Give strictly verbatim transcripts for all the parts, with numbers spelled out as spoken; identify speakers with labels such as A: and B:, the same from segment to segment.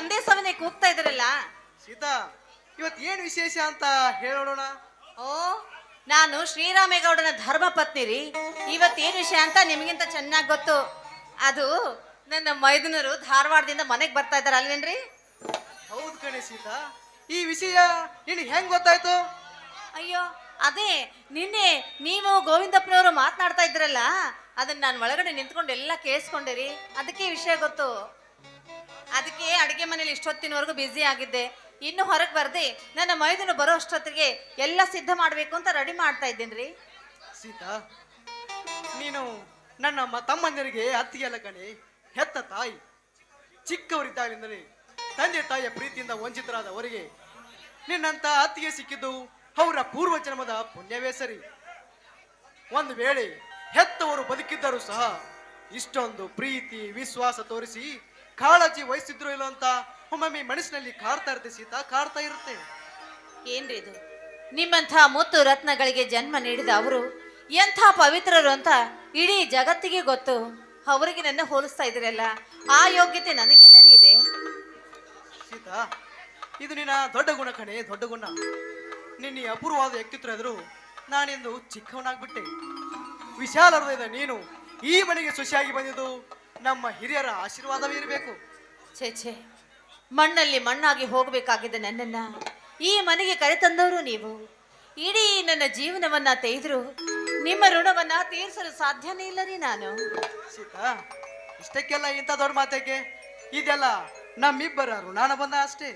A: ಒಂದೇ ಸಮನೆ ಕೂಗ್ತಾ ಇದ್ರಲ್ಲ.
B: ಸೀತಾ, ಇವತ್ತು ಏನು ವಿಶೇಷ ಅಂತ ಹೇಳೋಣ.
A: ಓ, ನಾನು ಶ್ರೀರಾಮೇಗೌಡನ ಧರ್ಮ ಪತ್ನಿ ರೀ. ಇವತ್ತೇನು ವಿಷಯ ಅಂತ ನಿಮಗಿಂತ ಚೆನ್ನಾಗಿ ಗೊತ್ತು. ಅದು ನನ್ನ ಮೈದುನರು ಧಾರವಾಡದಿಂದ ಮನೆಗೆ ಬರ್ತಾ ಇದಾರೆ ಅಲ್ವೇನ್ರಿ?
B: ಹೌದು ಕಣೆ ಸೀತಾ, ಈ ವಿಷಯ ನಿನಗೆ ಹೆಂಗ್ ಗೊತ್ತಾಯ್ತು?
A: ಅಯ್ಯೋ, ಅದೇ ನಿನ್ನೆ ನೀವು ಗೋವಿಂದಪ್ಪನವರು ಮಾತನಾಡ್ತಾ ಇದ್ರಲ್ಲ, ಅದನ್ನ ನಾನು ಒಳಗಡೆ ನಿಂತ್ಕೊಂಡು ಎಲ್ಲ ಕೇಳಿಸ್ಕೊಂಡೆ. ಅದಕ್ಕೆ ವಿಷಯ ಗೊತ್ತು. ಅದಕ್ಕೆ ಅಡಿಗೆ ಮನೇಲಿ ಇಷ್ಟೊತ್ತಿನವರೆಗೂ ಬ್ಯುಸಿ ಆಗಿದ್ದೆ. ಇನ್ನು ಹೊರಗೆ ಬರ್ದೆ ನನ್ನ ಮೈದುನು ಬರೋ ಅಷ್ಟೊತ್ತಿಗೆ ಎಲ್ಲ ಸಿದ್ಧ ಮಾಡಬೇಕು ಅಂತ ರೆಡಿ ಮಾಡ್ತಾ ಇದ್ದೇನ್ರಿ.
B: ಸೀತಾ, ನೀನು ನನ್ನ ಮ ತಮ್ಮಂದಿರಿಗೆ ಅತ್ತಿಗೆಲ್ಲ ಕಣೆ, ಹೆತ್ತ ತಾಯಿ. ಚಿಕ್ಕವರಿದ್ದಾಗಲಿಂದಲೇ ತಂದೆ ತಾಯಿಯ ಪ್ರೀತಿಯಿಂದ ವಂಚಿತರಾದವರಿಗೆ ನಿನ್ನಂತ ಅತ್ತಿಗೆ ಸಿಕ್ಕಿದ್ದು ಅವರ ಪೂರ್ವ ಜನ್ಮದ ಪುಣ್ಯವೇ ಸರಿ. ಒಂದು ವೇಳೆ ಹೆತ್ತವರು ಬದುಕಿದ್ದರೂ ಸಹ ಇಷ್ಟೊಂದು ಪ್ರೀತಿ ವಿಶ್ವಾಸ ತೋರಿಸಿ ಕಾಳಜಿ ವಹಿಸಿದ್ರು ಇಲ್ಲ ಅಂತ ಒಮ್ಮೊಮ್ಮೆ ಮನಸ್ಸಿನಲ್ಲಿ ಕಾಡ್ತಾ ಇರುತ್ತೆ ಸೀತಾ, ಕಾಡ್ತಾ ಇರುತ್ತೆ.
A: ಏನ್ರಿ ಇದು? ನಿಮ್ಮಂಥ ಮುತ್ತು ರತ್ನಗಳಿಗೆ ಜನ್ಮ ನೀಡಿದ ಅವರು ಎಂಥ ಪವಿತ್ರರು ಅಂತ ಇಡೀ ಜಗತ್ತಿಗೆ ಗೊತ್ತು. ಅವರಿಗೆ ನನ್ನ ಹೋಲಿಸ್ತಾ ಇದ್ರಲ್ಲ, ಆ ಯೋಗ್ಯತೆ ನನಗೆಲ್ಲರಿ ಇದೆ.
B: ಸೀತಾ, ಇದು ನಿನ್ನ ದೊಡ್ಡ ಗುಣ ಕಣೆ, ದೊಡ್ಡ ಗುಣ. ನಿನ್ನ ಈ ಅಪೂರ್ವವಾದ ವ್ಯಕ್ತಿತ್ವ ಎದುರು ನಾನೆಂದು ಚಿಕ್ಕವನಾಗ್ಬಿಟ್ಟೆ. ವಿಶಾಲ ಹೃದಯದ ನೀನು ಈ ಮನೆಗೆ ಸೊಸೆಯಾಗಿ ಬಂದಿದ್ದು ನಮ್ಮ ಹಿರಿಯರ ಆಶೀರ್ವಾದವೇ ಇರಬೇಕು.
A: ಛೇ ಛೇ, ಮಣ್ಣಲ್ಲಿ ಮಣ್ಣಾಗಿ ಹೋಗಬೇಕಾಗಿದ್ದ ನನ್ನನ್ನ ಈ ಮನೆಗೆ ಕರೆತಂದವರು ನೀವು. ಇಡೀ ನನ್ನ ಜೀವನವನ್ನ ತೆಗೆದ್ರು ನಿಮ್ಮ ಋಣವನ್ನ ತೀರಿಸಲು ಸಾಧ್ಯನೇ ಇಲ್ಲ ರೀ ನಾನು.
B: ಸೀತಾ, ಇಷ್ಟಕ್ಕೆಲ್ಲ ಇಂಥ ದೊಡ್ಡ ಮಾತಕ್ಕೆ? ಇದೆಲ್ಲ ನಮ್ಮಿಬ್ಬರ ಋಣಾನ ಬಂದ ಅಷ್ಟೇ.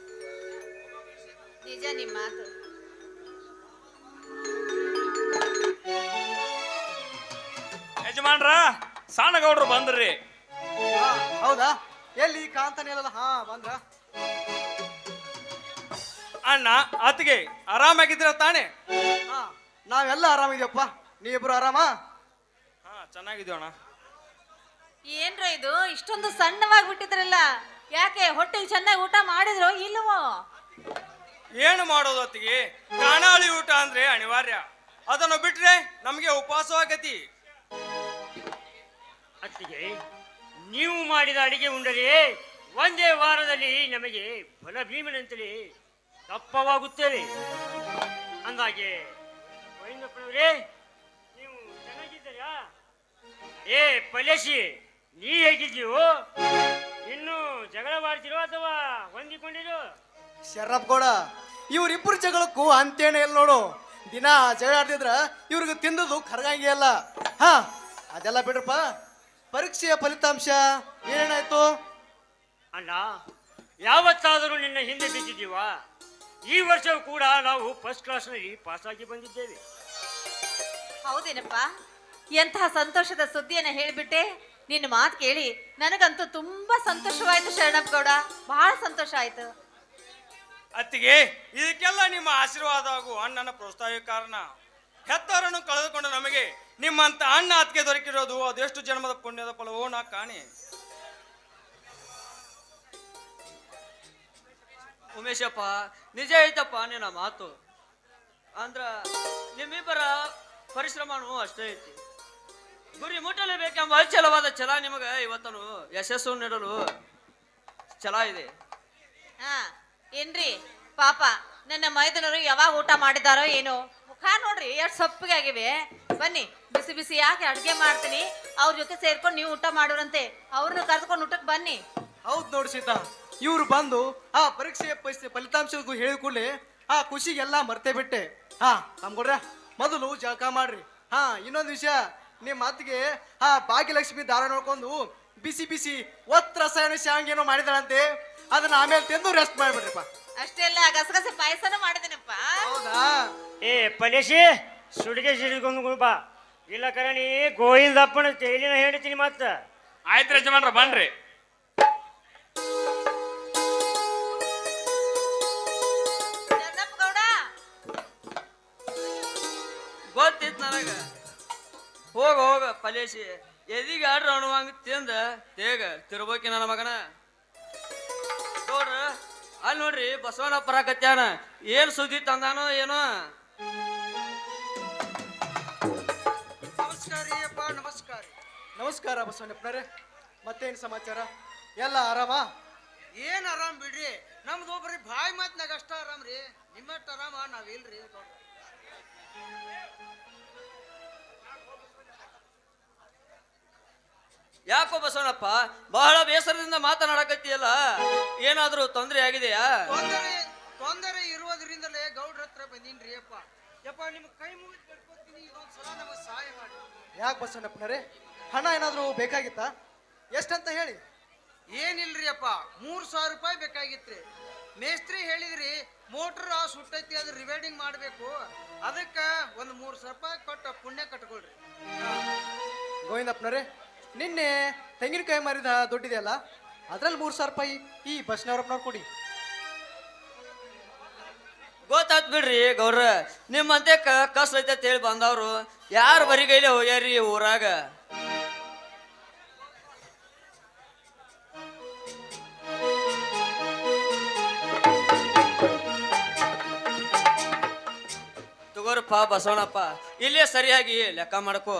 A: ನಿಜ ನಿಮ್ಮ ಮಾತು.
C: ಯಜಮಾನ್ರ, ಸಾಣಗೌಡ್ರು ಬಂದ್ರಿ.
B: ಹೌದಾ? ಎಲ್ಲಿ ಕಾಂತನೇಲಲ್ಲ? ಹಾ, ಬಂದ್ರ.
C: ಅಣ್ಣ ಅತ್ತಿಗೆ ಆರಾಮಾಗಿದ್ದೀರ ತಾನೆ?
B: ಹಾ, ನಾವೆಲ್ಲ ಆರಾಮಿದ್ಯಪ್ಪ. ನೀವಿಬ್ರು ಆರಾಮ?
C: ಹಾ, ಚೆನ್ನಾಗಿದ್ದೀವಿ ಅಣ್ಣ.
A: ಏನ್ರ ಇದು ಇಷ್ಟೊಂದು ಸಣ್ಣವಾಗಿ ಬಿಟ್ಟಿದ್ರಲ್ಲ? ಯಾಕೆ ಹೊಟ್ಟೆಗೆ ಚೆನ್ನಾಗಿ ಊಟ ಮಾಡಿದ್ರೋ ಇಲ್ವೋ?
C: ಏನು ಮಾಡೋದು ಅತ್ತಿಗೆ, ಕಾಣಾಳಿ ಊಟ ಅಂದ್ರೆ ಅನಿವಾರ್ಯ. ಅದನ್ನು ಬಿಟ್ರೆ ನಮಗೆ ಉಪವಾಸವಾಗತಿ.
D: ಅತ್ತಿಗೆ, ನೀವು ಮಾಡಿದ ಅಡಿಗೆ ಉಂಡರೆ ಒಂದೇ ವಾರದಲ್ಲಿ ನಮಗೆ ಬಲ ಭೀಮನಂತಲೇ ದಪ್ಪವಾಗುತ್ತೇವೆ. ಅಂದಾಗೆ ಗೋವಿಂದಪ್ಪನವರೇ, ನೀವು ಚೆನ್ನಾಗಿದ್ದೀರಾ? ಏ ಪಲೇಶಿ, ನೀ ಹೇಗಿದ್ದೀವೋ? ಇನ್ನು ಜಗಳ ಮಾಡ್ತಿರೋ ಅಥವಾ ಹೊಂದಿಕೊಂಡಿರೋ?
B: ಶರಪ್ ಗೌಡ, ಇವ್ರಿಬ್ರು ಜಗಳಕ್ಕೂ ಅಂತೇನೆ ಇಲ್ಲ ನೋಡು. ದಿನ ಜಗಳ ಆಡ್ತಿದ್ರ ಇವ್ರಿಗೆ ತಿಂದದು ಕರಗಂಗೆ ಅಲ್ಲ. ಹಾ, ಅದೆಲ್ಲ ಬಿಡ್ರಪ್ಪ. ಪರೀಕ್ಷೆಯ ಫಲಿತಾಂಶ ಏನೇನಾಯ್ತು?
D: ಅಣ್ಣ, ಯಾವತ್ತಾದರೂ ನಿನ್ನ ಹಿಂದೆ ಬಿದ್ದಿದ್ದೀವ? ಈ ವರ್ಷವೂ ಕೂಡ ನಾವು ಫಸ್ಟ್ ಕ್ಲಾಸ್ನಲ್ಲಿ ಪಾಸಾಗಿ ಬಂದಿದ್ದೇವೆ.
A: ಹೌದೇನಪ್ಪ? ಎಂತಹ ಸಂತೋಷದ ಸುದ್ದಿಯನ್ನ ಹೇಳಿಬಿಟ್ಟೆ. ನಿನ್ನ ಮಾತು ಕೇಳಿ ನನಗಂತೂ ತುಂಬಾ ಸಂತೋಷವಾಯ್ತು ಶರಣಪ್ಪ ಗೌಡ, ಬಹಳ ಸಂತೋಷ ಆಯ್ತು.
C: ಅತ್ತಿಗೆ, ಇದಕ್ಕೆಲ್ಲ ನಿಮ್ಮ ಆಶೀರ್ವಾದ ಹಾಗೂ ಅಣ್ಣನ ಪ್ರೋತ್ಸಾಹ ಕಾರಣ. ಹೆತ್ತವರನ್ನು ಕಳೆದುಕೊಂಡು ನಮಗೆ ನಿಮ್ಮಂತ ಅಣ್ಣ ಅತ್ತಿಗೆ ದೊರಕಿರೋದು ಅದೆಷ್ಟು ಜನ್ಮದ ಪುಣ್ಯದ ಫಲವೋ ನಾ ಕಾಣಿ.
E: ಉಮೇಶಪ್ಪ, ನಿಜ ಐತಪ್ಪ ನಿನ್ನ ಮಾತು. ಅಂದ್ರ ನಿಮ್ಮಿಬ್ಬರ ಪರಿಶ್ರಮನೂ ಅಷ್ಟೇ ಐತಿ. ಗುರಿ ಮುಟ್ಟಲೇಬೇಕೆಂಬ ಅಚಲವಾದ ಛಲ ನಿಮಗೆ ಇವತ್ತನು ಯಶಸ್ಸು ನೀಡಲು ಛಲ ಇದೆ.
A: ಹಾ ಏನ್ರಿ ಪಾಪ, ನನ್ನ ಮೈದನರು ಯಾವಾಗ ಊಟ ಮಾಡಿದಾರೋ ಏನೋ, ಮುಖ ನೋಡ್ರಿ ಎಷ್ಟು ಸೊಪ್ಪಿಗೆ ಆಗಿವೆ. ಬನ್ನಿ, ಬಿಸಿ ಬಿಸಿ ಯಾಕೆ ಅಡ್ಗೆ ಮಾಡ್ತೀನಿ, ಅವ್ರ ಜೊತೆ ಸೇರ್ಕೊಂಡು ನೀವು ಊಟ ಮಾಡೋರಂತೆ. ಅವ್ರನ್ನ ಕರೆದುಕೊಂಡು ಊಟಕ್ಕೆ ಬನ್ನಿ.
B: ಹೌದು ನೋಡಿ ಸೀತಾ, ಇವ್ರು ಬಂದು ಆ ಪರೀಕ್ಷೆಯ ಫಲಿತಾಂಶ ಹೇಳಿದ ಕೂಡಲೇ ಆ ಖುಷಿಗೆಲ್ಲ ಮರ್ತೇ ಬಿಟ್ಟೆ. ಹಾ ತಮ್ಗೊಡ್ರ, ಮೊದಲು ಜಳಕ ಮಾಡ್ರಿ. ಹಾ, ಇನ್ನೊಂದು ವಿಷಯ, ನಿಮ್ಮ ಮಾತಿಗೆ ಆ ಭಾಗ್ಯಲಕ್ಷ್ಮಿ ದಾರ ನೋಡ್ಕೊಂಡು ಬಿಸಿ ಬಿಸಿ ಒತ್ತ ರಸಾಯನ ಶಾಂಗೇನೋ ಮಾಡಿದಾಳಂತೆ. ಅದನ್ನ ಆಮೇಲೆ ತಿಂದು ರೆಸ್ಟ್ ಮಾಡ್ಬಿಡ್ರಿಪ್ಪ.
A: ಅಷ್ಟೆಲ್ಲ ಗಸಗಸೆ ಪಾಯಸನ ಮಾಡಿದೇನಪ್ಪ.
B: ಹೌದಾ?
D: ಏ ಪಲೇಶಿ, ಸುಡಿಗೆ ಸಿಡಿಕೊಂಡು ಬಾ, ಇಲ್ಲ ಕರಣಿ ಗೋವಿಂದಪ್ಪನ ತೇಲಿನ ಹೇಳ್ತೀನಿ ಮತ್ತ.
C: ಆಯ್ತು ಯಜಮಾನ್ರ, ಬನ್ರಿ.
A: ಗೌಡ,
E: ಗೊತ್ತಿತ್ತು ನನಗ. ಹೋಗ ಹೋಗ ಪಲೇಶಿ, ಎದಿಗೆ ಆಡ್ರ ಅಣುವಂಗ ತಿಂದ ತೇಗ ತಿರ್ಬೋಕಿ ನನ್ನ ಮಗನ. ನೋಡ್ರ ಅಲ್ಲಿ ನೋಡ್ರಿ, ಬಸವನಪ್ಪ ಬರಾಕತ್ಯಾನ. ಏನ್ ಸುದ್ದಿ ತಂದಾನೋ ಏನೋ.
B: ನಮಸ್ಕಾರ ಅಪ್ಪ. ನಮಸ್ಕಾರ. ನಮಸ್ಕಾರ ಬಸವಣ್ಣಪ್ಪನರೇ, ಮತ್ತೇನು ಸಮಾಚಾರ? ಎಲ್ಲ ಆರಾಮ? ಏನ್ ಆರಾಮ್ ಬಿಡ್ರಿ, ನಮ್ದು ಬರೀ ಬಾಯಿ ಮಾತ್ನಾಗ ಅಷ್ಟ ಆರಾಮ್ ರೀ. ನಿಮ್ಮಷ್ಟ ಆರಾಮ ನಾವಿಲ್ರಿ.
E: ಯಾಕೋ ಬಸವಣ್ಣಪ್ಪ ಬಹಳ ಬೇಸರದಿಂದ ಮಾತನಾಡಕತ್ತೀಯಲ್ಲ, ಏನಾದ್ರೂ ತೊಂದರೆ ಆಗಿದೆಯಾ?
B: ತೊಂದರೆ ತೊಂದರೆ ಇರುವುದರಿಂದಲೇ ಗೌಡ್ರ ಹತ್ರ ಬಂದೀನ್ರಿ ಅಪ್ಪ. ಯಪ್ಪ ನಿಮ್ ಕೈ ಮುಗಿದು ಬಿಡ್ಕೊತೀನಿ, ಇದೊಂದ್ ಸಲ ನಮಗೆ ಸಹಾಯ ಮಾಡಿ.
F: ಯಾಕೆ ಬಸವಣ್ಣಪ್ಪನರೇ, ಹಣ ಏನಾದರೂ ಬೇಕಾಗಿತ್ತಾ? ಎಷ್ಟಂತ ಹೇಳಿ.
B: ಏನಿಲ್ರಿ ಅಪ್ಪ, ಮೂರ್ ಸಾವಿರ ರೂಪಾಯಿ ಬೇಕಾಗಿತ್ರಿ. ಮೇಸ್ತ್ರಿ ಹೇಳಿದ್ರಿ ಮೋಟ್ರ್ ಸುಟ್ಟೈತಿ ಅದ್ರ ರಿವೈಡಿಂಗ್ ಮಾಡ್ಬೇಕು, ಅದಕ್ಕ ಒಂದ್ ಮೂರ್ ಸಾವಿರ ರೂಪಾಯಿ ಕೊಟ್ಟು ಪುಣ್ಯ ಕಟ್ಕೊಳ್ರಿ.
F: ಗೋವಿಂದಪ್ಪನರೇ, ನಿನ್ನೆ ತೆಂಗಿನಕಾಯಿ ಮಾರಿದ ದುಡ್ಡಿದೆಯಲ್ಲ, ಅದ್ರಲ್ಲಿ ಮೂರು ಸಾವಿರ ರೂಪಾಯಿ ಈ ಬಸ್ನವ್ರಪ್ಪನವ್ರು ಕೊಡಿ.
E: ಗೊತ್ತಾತ್ ಬಿಡ್ರಿ ಗೌಡ್ರ, ನಿಮ್ಮಂತೆ ಕಷ್ಟ ಐತೆ ಅಂತ ಹೇಳಿ ಬಂದವ್ರು ಯಾರು ಬರಿಗೈಲೆ ಹೋಗ್ಯಾರಿ ಊರಾಗ. ತಗೋರಪ್ಪ ಬಸವಣ್ಣಪ್ಪ, ಇಲ್ಲೇ ಸರಿಯಾಗಿ ಲೆಕ್ಕ ಮಾಡ್ಕೋ.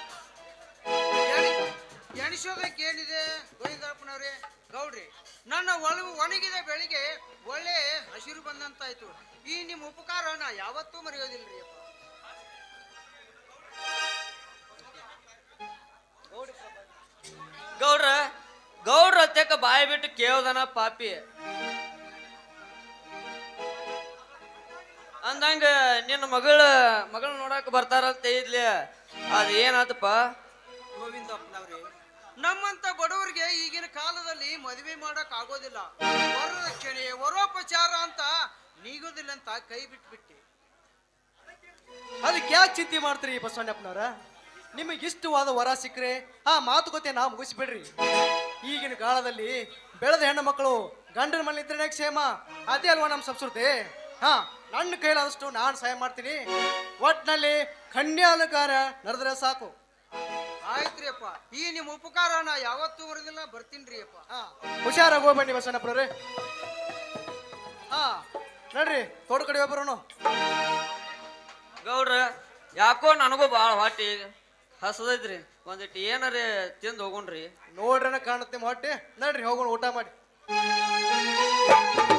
B: ಎಣಿಸೋದಕ್ಕೆ ಏನಿದೆ ಗೋವಿಂದಪ್ಪನವ್ರೆ? ಗೌಡ್ರಿ, ನನ್ನ ಒಳ ಒಣಗಿದ ಬೆಳಿಗ್ಗೆ ಒಳ್ಳೆ ಹಸಿರು ಬಂದಂತಾಯ್ತು. ಈ ನಿಮ್ಮ ಉಪಕಾರ ನಾ ಯಾವತ್ತೂ ಮರೆಯೋದಿಲ್ರಿ ಅಪ್ಪ.
E: ಗೌಡ್ರ ಗೌಡ್ರ ಅತ್ಯಕ ಬಾಯಿ ಬಿಟ್ಟು ಕೇಳ್ದನ ಪಾಪಿ ಅಂದಂಗ ನಿನ್ನ ಮಗಳ ಮಗಳ ನೋಡಕ್ ಬರ್ತಾರಂತ ಇದ್ಲಿ, ಅದ ಏನಾತಪ್ಪ?
B: ಗೋವಿಂದಪ್ಪನವ್ರೆ, ನಮ್ಮಂತ ಬಡವರಿಗೆ ಈಗಿನ ಕಾಲದಲ್ಲಿ ಮದುವೆ ಮಾಡಕ್ ಆಗೋದಿಲ್ಲ. ವರದಕ್ಷಿಣೆ ವರೋಪಚಾರ ಅಂತ ನೀಗೋದಿಲ್ಲ ಅಂತ ಕೈ ಬಿಟ್ಬಿಟ್ಟಿ.
F: ಅದಕ್ಕೆ ಯಾಕೆ ಚಿಂತೆ ಮಾಡ್ತೀರಿ ಬಸವಣ್ಣಪ್ಪನವ್ರ? ನಿಮಗೆ ಇಷ್ಟವಾದ ವರ ಸಿಕ್ಕರೆ ಆ ಮಾತುಕತೆ ನಾವು ಮುಗಿಸ್ಬಿಡ್ರಿ. ಈಗಿನ ಕಾಲದಲ್ಲಿ ಬೆಳೆದ ಹೆಣ್ಣು ಮಕ್ಕಳು ಗಂಡನ ಮನೆ ಇದ್ರೆ ಕ್ಷೇಮ, ಅದೇ ಅಲ್ವಾ ನಮ್ಮ ಸಂಸ್ಕೃತಿ. ಹಾ, ನನ್ನ ಕೈಲಾದಷ್ಟು ನಾನು ಸಹಾಯ ಮಾಡ್ತೀನಿ. ಒಟ್ನಲ್ಲಿ ಕನ್ಯಾಲಕಾರ ನಡೆದ್ರೆ ಸಾಕು.
B: ಆಯ್ತ್ರಿ ಅಪ್ಪ, ಈ ನಿಮ್ಮ ಉಪಕಾರ ನಾ ಯಾವತ್ತೂ ಮರೆದಿಲ್ಲ, ಬರ್ತೀನ್ರಿ ಅಪ್ಪ.
F: ಹಾ, ಹುಷಾರಾಗಿ ಹೋಗ್ಬನ್ನಿ ಬಸವಣ್ಣಪ್ಪನವ್ರೆ. ಹಾ, ನೋಡ್ರಿ ತೋಟ ಕಡೆ ಒಬ್ಬರು.
E: ಗೌಡ್ರ, ಯಾಕೋ ನನಗೂ ಭಾಳ ಹೊಟ್ಟಿ ಹಸದೈತ್ರಿ, ಒಂದಿಟ್ಟು ಏನಾರ ತಿಂದು ಹೋಗೋಣ್ರಿ.
F: ನೋಡ್ರನ ಕಾಣುತ್ತೆ ನಿಮ್ಮ ಹೊಟ್ಟೆ. ನಡ್ರಿ ಹೋಗೋಣ ಊಟ ಮಾಡಿ.